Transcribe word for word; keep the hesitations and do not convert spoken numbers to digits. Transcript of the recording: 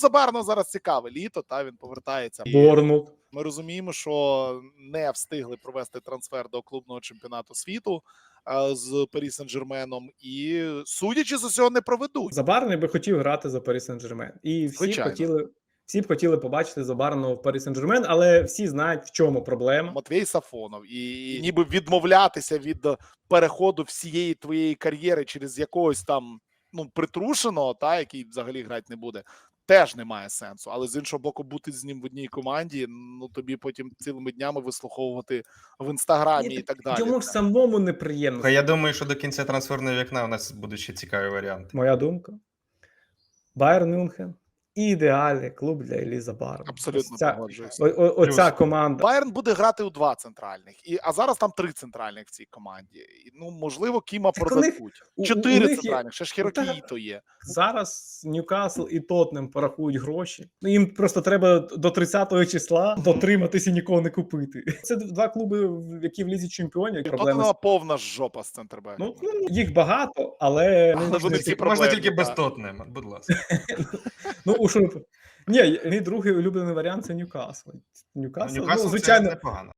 Забарно зараз цікаве літо, та він повертається. Борнмут. Ми розуміємо, що не встигли провести трансфер до клубного чемпіонату світу а, з Парі Сен-Жерменом, і судячи з усього, не проведуть. Забарний би хотів грати за Парі Сен-Жермен. І всі б Звичайно. хотіли, всі б хотіли побачити Забарного в Парі Сен-Жермен, але всі знають, в чому проблема. Матвій Сафонов, і ніби відмовлятися від переходу всієї твоєї кар'єри через якогось там ну притрушеного, та який взагалі грати не буде, теж немає сенсу. Але з іншого боку, бути з ним в одній команді, ну тобі потім цілими днями вислуховувати в інстаграмі і, і так далі. Йому ж самому неприємно. Я думаю, що до кінця трансферного вікна у нас будуть ще цікаві варіанти. Моя думка. Байерн Мюнхен. Ідеальний клуб для Іллі Забарного. Абсолютно Ось ця, погоджуюся. о, о, оця Плюс. команда. Байерн буде грати у два центральних, і а зараз там три центральних в цій команді. І, ну можливо, Кіма Так у них- продадуть. у- у Чотири них є- центральних, ще ж Ну, та- Хірокіїто є. Зараз Ньюкасл і Тоттенхем порахують гроші. Ну, їм просто треба до тридцятого числа дотриматися і нікого не купити. Це два клуби, в- які в лізі чемпіонів. І Проблеми. Тоттенхема повна жопа з центрбек. Ну, ну, їх багато, але Але ну, вони всі Можна проблемні, тільки без так. Тоттенхема, будь ласка. ну у що ні, мій другий улюблений варіант це Ньюкасл. Ньюкасл, Ньюкасл ну, це звичайно, непогано.